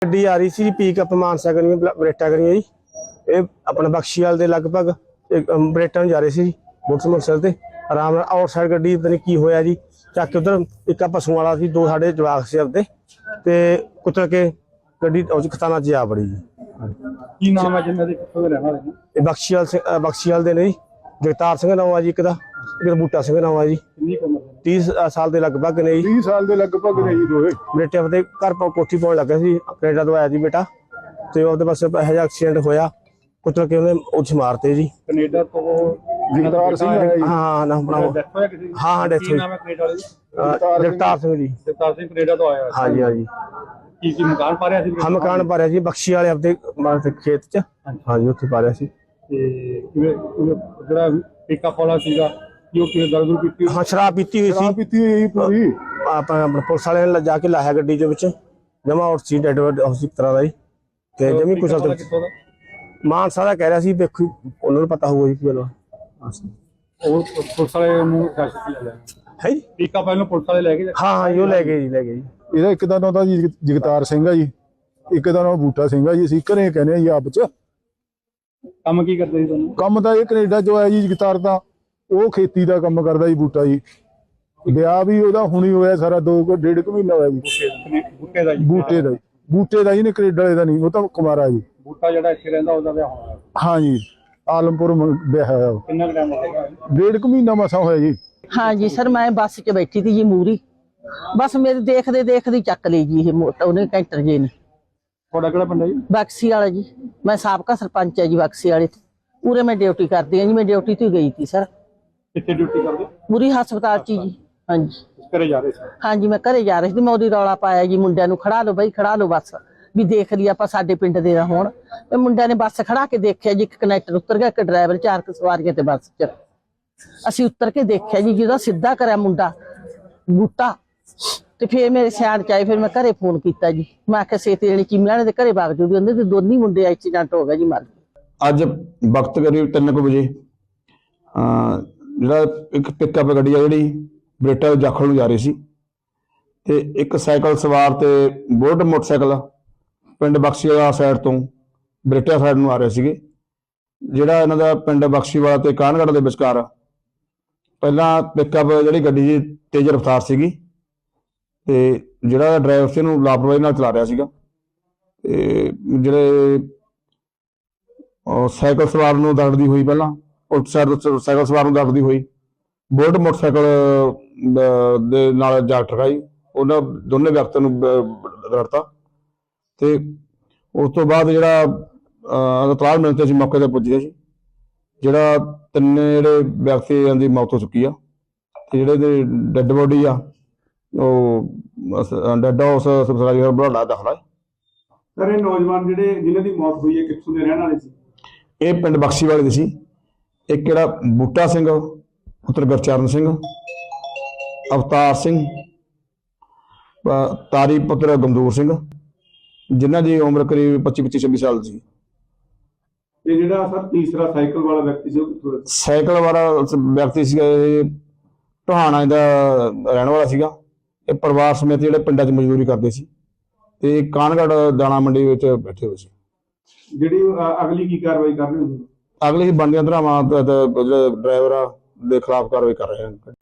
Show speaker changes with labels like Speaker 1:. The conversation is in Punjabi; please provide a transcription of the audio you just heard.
Speaker 1: ਗੱਡੀ ਆ ਰਹੀ ਸੀ ਜੀ ਪੀਕਅਪ ਮਾਨਸਾ ਕਰੀਆਂ ਬਰੇਟਾ ਕਰੀਆਂ ਜੀ। ਇਹ ਆਪਣਾ ਬਖਸ਼ੀਵਾਲ ਦੇ ਲਗਭਗ ਬਰੇਟਾ ਨੂੰ ਜਾ ਰਹੇ ਸੀ ਜੀ ਮੋਟਰਸਾਈਕਲ ਤੇ ਆਰਾਮ ਨਾਲ। ਆਊਟਸਾਈਡ ਗੱਡੀ ਪਤਾ ਨਹੀਂ ਕੀ ਹੋਇਆ ਜੀ, ਚੱਕ ਕੇ ਉਧਰ ਇੱਕ ਪਸ਼ੂ ਵਾਲਾ ਸੀ, ਦੋ ਸਾਡੇ ਜਵਾਕ ਸੀ ਆਪਦੇ, ਤੇ ਕੁਚਲ ਕੇ ਗੱਡੀ ਉਹ ਖਤਾਨਾ ਚ ਆ ਬੜੀ ਜੀ।
Speaker 2: ਕੀ ਨਾਮ ਹੈ ਜਿਨ੍ਹਾਂ ਦੇ, ਕਿੱਥੋਂ ਦੇ ਰਹਿਣ ਵਾਲੇ ਨੇ?
Speaker 1: ਇਹ ਬਖਸ਼ੀਵਾਲ ਦੇ ਨੇ ਜੀ। ਜਗਤਾਰ ਸਿੰਘ ਨਾਮ ਆ ਜੀ ਇੱਕ ਦਾ, ਇੱਕ ਬੂਟਾ ਸਿੰਘ ਨਾਮ ਆ ਜੀ। 30 ਸਾਲ ਦੇ ਲਗਭਗ ਨੇ ਜੀ।
Speaker 2: 30 ਸਾਲ ਦੇ ਲਗਭਗ ਨੇ ਜੀ ਦੋਵੇਂ।
Speaker 1: ਬੇਟੇ ਆਪਦੇ ਘਰ ਕੋਠੀ ਪਾਉਣ ਲੱਗਾ ਸੀ, ਕੈਨੇਡਾ ਤੋਂ ਆਇਆ ਜੀ ਬੇਟਾ, ਤੇ ਉਹਦੇ ਪਾਸੇ ਇਹੋ ਜਿਹਾ ਐਕਸੀਡੈਂਟ ਹੋਇਆ, ਕੁਚਲ ਕੇ ਉਹਨੇ ਉੱਥੇ ਮਾਰਤੇ ਜੀ।
Speaker 2: ਕੈਨੇਡਾ ਤੋਂ ਜਗਤਾਰ ਸਿੰਘ ਆਇਆ ਜੀ।
Speaker 1: ਹਾਂ ਨਾਮ ਬਣਾਓ। ਹਾਂ ਡੈਥ ਹੋਈ।
Speaker 2: ਨਾਮ ਹੈ ਕੈਨੇਡਾ ਵਾਲੇ?
Speaker 1: ਜਗਤਾਰ ਸਿੰਘ ਜੀ।
Speaker 2: ਜਗਤਾਰ ਸਿੰਘ ਕੈਨੇਡਾ ਤੋਂ ਆਇਆ।
Speaker 1: ਹਾਂਜੀ ਹਾਂਜੀ।
Speaker 2: ਕੀ ਮਕਾਨ ਪਾ ਰਿਹਾ ਸੀ?
Speaker 1: ਹਾਂ ਮਕਾਨ ਪਾ ਰਿਹਾ ਸੀ ਬਖਸ਼ੀ ਵਾਲੇ ਆਪਦੇ ਖੇਤ ਚ। ਹਾਂਜੀ ਉੱਥੇ ਪਾ ਰਿਹਾ ਸੀ।
Speaker 2: ਤੇ ਕਿਵੇਂ ਜਿਹੜਾ ਪਿਕਅਪ ਵਾਲਾ ਸੀਗਾ ਜੋ ਕਿ ਦਰਦ ਪੀਤੀ?
Speaker 1: ਹਾਂ ਸ਼ਰਾਬ ਪੀਤੀ ਹੋਈ ਸੀ।
Speaker 2: ਸ਼ਰਾਬ ਪੀਤੀ ਹੋਈ ਪੂਰੀ।
Speaker 1: ਆਪਾਂ ਪੁਲਿਸ ਵਾਲਿਆਂ ਨੇ ਜਾ ਕੇ ਲਾਇਆ ਗੱਡੀ ਦੇ ਵਿੱਚ, ਜਮਾ ਆਊਟ ਸੀ ਡੈਡ ਹਾਊਸ ਇੱਕ ਤਰ੍ਹਾਂ ਦਾ ਜੀ। ਤੇ ਜਮੀ ਕੁਸ਼ਲ ਮਾਨਸਾ ਦਾ ਕਹਿ ਰਿਹਾ ਸੀ, ਵੇਖੋ ਉਹਨਾਂ ਨੂੰ ਪਤਾ ਹੋਊਗਾ ਜੀ ਕੀ ਗੱਲ।
Speaker 2: ਉਹ ਪੁਲਿਸ ਵਾਲੇ ਨੂੰ
Speaker 1: ਹੈ ਜੀ
Speaker 2: ਪਿਕਅਪ ਵਾਲੇ ਨੂੰ ਪੁਲਿਸ ਵਾਲੇ ਲੈ ਗਏ?
Speaker 1: ਹਾਂ ਉਹ ਲੈ ਗਏ ਜੀ।
Speaker 3: ਇਹਦਾ ਇੱਕ ਦਾ ਨਾਮ ਤਾਂ ਜੀ ਜਗਤਾਰ ਸਿੰਘ ਆ ਜੀ, ਇੱਕ ਦਾ ਨਾਮ ਬੂਟਾ ਸਿੰਘ ਆ ਜੀ। ਅਸੀਂ ਘਰੇ ਕਹਿੰਦੇ ਆ ਜੀ ਆਪ ਚ।
Speaker 2: ਕੰਮ ਕੀ ਕਰਦੇ ਸੀ ਤੁਹਾਨੂੰ?
Speaker 3: ਕੰਮ ਤਾਂ ਇਹ ਕੈਨੇਡਾ ਚੋਂ ਆਇਆ ਜੀ ਜਗਤਾਰ ਤਾਂ, ਉਹ ਖੇਤੀ ਦਾ ਕੰਮ ਕਰਦਾ ਜੀ। ਬੂਟਾ ਜੀ ਵਿਆਹ ਵੀ ਉਹਦਾ ਹੁਣੀ ਹੋਇਆ ਸਾਰਾ, 2.5 ਮਹੀਨਾ ਹੋਇਆ ਜੀ।
Speaker 2: ਬੂਟੇ ਦਾ ਜੀ?
Speaker 3: ਬੂਟੇ ਦਾ ਜੀ ਨੇ, ਕੈਨੇਡਾ ਵਾਲੇ ਦਾ ਨਹੀਂ, ਉਹ ਤਾਂ ਕੁਮਾਰਾ ਜੀ।
Speaker 2: ਬੂਟਾ ਜਿਹੜਾ ਇੱਥੇ ਰਹਿੰਦਾ ਉਹਦਾ ਵਿਆਹ ਹੋਇਆ?
Speaker 3: ਹਾਂ ਜੀ ਆਲਮਪੁਰ ਵਿਆਹ ਹੋਇਆ।
Speaker 2: ਕਿੰਨਾ ਟਾਈਮ ਹੋ ਗਿਆ?
Speaker 3: 1.5 ਮਹੀਨਾ ਮਸਾ ਹੋਇਆ ਜੀ।
Speaker 4: हाँ जी सर, मैं बस च बैठी थी जी मूरी, बस मेरे देखते चक ली जी ये मोटा उन्हें कैंटर जी ने। बक्सी वाला जी, मैं साबका सरपंच है जी बक्सी वाले। पूरे मैं ड्यूटी करती हूँ जी, मैं ड्यूटी तो गई थी सर।
Speaker 2: कितने ड्यूटी करते?
Speaker 4: पूरी हस्पताल च जी। हाँ जी
Speaker 2: घरे जा रहे थे?
Speaker 4: हाँ जी मैं घरे जा रही थी। मैं उदी रौला पाया जी मुंडिया नूं, खड़ा लो बई खड़ा लो बस, भी देख लिया आपां साडे पिंड दे ना होण। मुंडिया ने बस खड़ा के देखिया जी, एक कनैक्टर उतर गया, एक ड्राइवर, 4 सवारियां ते बस च। ਅਸੀਂ ਉਤਰ ਕੇ ਦੇਖਿਆ ਜੀ, ਜਿਹਦਾ ਸਿੱਧਾ ਕਰਿਆ ਮੁੰਡਾ ਬੂਟਾ, ਤੇ ਫਿਰ ਮੇਰੇ ਸਿਆਣ ਚ ਆਏ। ਫਿਰ ਮੈਂ ਘਰੇ ਫੋਨ ਕੀਤਾ ਜੀ, ਮੈਂ ਆਖਿਆ ਛੇਤੀ ਜਣੀ ਚੀਮਿਆਂ ਦੇ ਘਰੇ ਵਗ ਜੂਗੀ, ਉਹਦੇ ਤੇ ਦੋਨੀ ਮੁੰਡੇ ਐਕਸੀਡੈਂਟ ਹੋ ਗਿਆ ਜੀ, ਮਰ ਗਏ।
Speaker 5: ਅੱਜ ਵਕਤ ਕਰੀਬ 3 ਵਜੇ ਜਿਹੜਾ ਇੱਕ ਪਿਕਅਪ ਗੱਡੀ ਆ ਜਿਹੜੀ ਬਰੇਟਾ ਜਾਖਲ ਨੂੰ ਜਾ ਰਹੀ ਸੀ, ਤੇ ਇੱਕ ਸਾਈਕਲ ਸਵਾਰ ਤੇ ਬੁਲਟ ਮੋਟਰਸਾਈਕਲ ਪਿੰਡ ਬਖਸ਼ੀਵਾਲਾ ਸਾਈਡ ਤੋਂ ਬਰੇਟਾ ਸਾਈਡ ਨੂੰ ਆ ਰਹੇ ਸੀਗੇ। ਜਿਹੜਾ ਇਹਨਾਂ ਦਾ ਪਿੰਡ ਬਖਸ਼ੀਵਾਲਾ ਤੇ ਕਾਨਗੜ ਦੇ ਵਿਚਕਾਰ ਪਹਿਲਾਂ ਪਿਕਅਪ ਜਿਹੜੀ ਗੱਡੀ ਦੀ ਤੇਜ਼ ਰਫ਼ਤਾਰ ਸੀਗੀ, ਤੇ ਜਿਹੜਾ ਡਰਾਈਵਰ ਸੀ ਉਹਨੂੰ ਲਾਪਰਵਾਹੀ ਨਾਲ ਚਲਾ ਰਿਹਾ ਸੀਗਾ। ਤੇ ਜਿਹੜੇ ਸਾਈਕਲ ਸਵਾਰ ਨੂੰ ਦਰੜਦੀ ਹੋਈ, ਪਹਿਲਾਂ ਉਲਟ ਸਾਈਡ ਸਾਈਕਲ ਸਵਾਰ ਨੂੰ ਦਰੜਦੀ ਹੋਈ ਬੁਲਟ ਮੋਟਰਸਾਈਕਲ ਦੇ ਨਾਲ ਜਾ ਟਕਰਾਈ। ਉਹਨਾਂ ਦੋਨੇ ਵਿਅਕਤੀਆਂ ਨੂੰ ਦਰੜਤਾ, ਤੇ ਉਸ ਤੋਂ ਬਾਅਦ ਜਿਹੜਾ ਤਲਾਲ ਮਿਲਣ ਤੇ ਅਸੀਂ ਮੌਕੇ ਤੇ ਪੁੱਜੇ ਸੀ। ਜਿਹੜਾ 3 ਜਿਹੜੇ ਵਿਅਕਤੀਆਂ ਦੀ ਮੌਤ ਹੋ ਚੁੱਕੀ ਆ, ਤੇ ਜਿਹੜੇ ਡੈਡ ਬੋਡੀ ਆ ਉਹ ਡੈਡ ਹਾਊਸ ਸਰਕਾਰੀ ਬੁਢਲਾਡਾ ਦਾਖਲ ਹੈ।
Speaker 2: ਸਰ ਇਹ ਨੌਜਵਾਨ ਜਿਹੜੇ ਜਿਨ੍ਹਾਂ ਦੀ ਮੌਤ ਹੋਈ ਹੈ ਕਿੱਥੋਂ ਦੇ ਰਹਿਣ ਵਾਲੇ ਸੀ?
Speaker 5: ਇਹ ਪਿੰਡ ਬਖਸ਼ੀਵਾਲੇ ਦੇ ਸੀ। ਇੱਕ ਜਿਹੜਾ ਬੂਟਾ ਸਿੰਘ ਪੁੱਤਰ ਗੁਰਚਰਨ ਸਿੰਘ, ਅਵਤਾਰ ਸਿੰਘ, ਤਾਰੀ ਪੁੱਤਰ ਗਮਦੂਰ ਸਿੰਘ, ਜਿਨ੍ਹਾਂ ਦੀ ਉਮਰ ਕਰੀਬ 25-26 ਸਾਲ ਸੀ।
Speaker 2: ਇਹ ਜਿਹੜਾ ਸਰ ਤੀਸਰਾ ਸਾਈਕਲ ਵਾਲਾ ਵਿਅਕਤੀ ਸੀ, ਉਹ
Speaker 5: ਸਾਈਕਲ ਵਾਲਾ ਵਿਅਕਤੀ ਸੀਗਾ, ਇਹ ਟੋਹਾਣਾ ਦਾ ਰਹਿਣ ਵਾਲਾ ਸੀਗਾ। ਇਹ ਪਰਿਵਾਰ ਸਮੇਤ ਜਿਹੜੇ ਪਿੰਡਾਂ 'ਚ ਮਜ਼ਦੂਰੀ ਕਰਦੇ ਸੀ, ਤੇ ਕਾਨਗੜ ਦਾਣਾ ਮੰਡੀ ਵਿੱਚ ਬੈਠੇ ਹੋਏ ਸੀ।
Speaker 2: ਜਿਹੜੀ ਅਗਲੀ ਕੀ ਕਾਰਵਾਈ ਕਰ ਰਹੇ ਹੋ?
Speaker 5: ਅਗਲੀ ਬਣਦੀਆਂ ਧਾਰਾਵਾਂ ਜਿਹੜੇ ਡਰਾਈਵਰ ਦੇ ਖਿਲਾਫ ਕਾਰਵਾਈ ਕਰ ਰਹੇ ਹਨ।